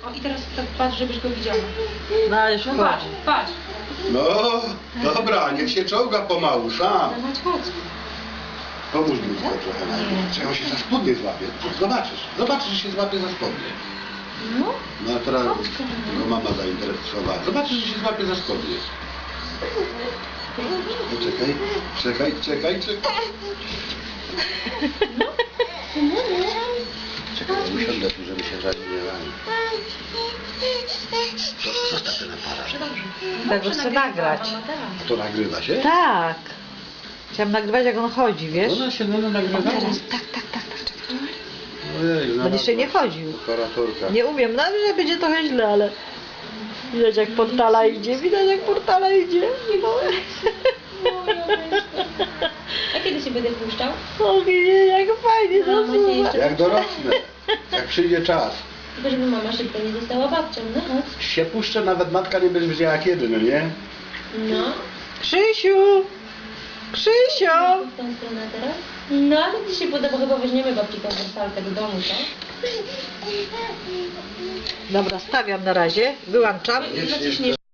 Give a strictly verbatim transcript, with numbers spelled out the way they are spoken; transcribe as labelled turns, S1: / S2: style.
S1: O i teraz tak patrz, żebyś go widziała.
S2: No ale już
S1: No
S2: chodź.
S1: patrz, patrz.
S3: No, dobra, niech się czołga pomału, sam.
S1: No chodź, chodź.
S3: Pomóż mi tylko trochę najpierw. Czy on się za spodnie złapie? Zobaczysz, zobaczysz, że się złapie za spodnie.
S1: No.
S3: No a teraz
S1: Chodź, kochanie.
S3: go mama zainteresowała. Zobaczysz, że się złapie za spodnie. No, czekaj, czekaj, czekaj, czekaj. Czekaj, ja usiądę tu, żeby się żadnie nie rani. Zostaw ten aparat.
S2: Tak, bo chcę nagrać.
S3: A to nagrywa się?
S2: Tak. Chciałam nagrywać, jak on chodzi, wiesz?
S3: Ona się no, nagrywa?
S1: Teraz, tak, tak, tak, tak, czekaj.
S3: Ojej,
S2: On jeszcze nie chodził.
S3: Operatorka.
S2: Nie umiem, nawet że będzie trochę źle, ale widać jak portala idzie, widać jak portala idzie.
S1: A kiedy się będę puszczał?
S2: O nie, jak fajnie
S1: No,
S2: to
S1: będzie jeszcze-
S3: Jak dorosnę, jak przyjdzie czas.
S1: Tylko żeby mama szybko nie została babcią, no chodź.
S3: Się puszczę, nawet matka nie będzie wiedziała kiedy, no nie?
S1: No.
S2: Krzysiu! Krzysiu!
S1: W tą stronę teraz? No, ale Ci się podoba, chyba weźmiemy babci tą wersalkę do domu, co?
S2: Dobra, stawiam na razie, wyłączam.
S3: Jeszcze-
S1: Zaciśniesz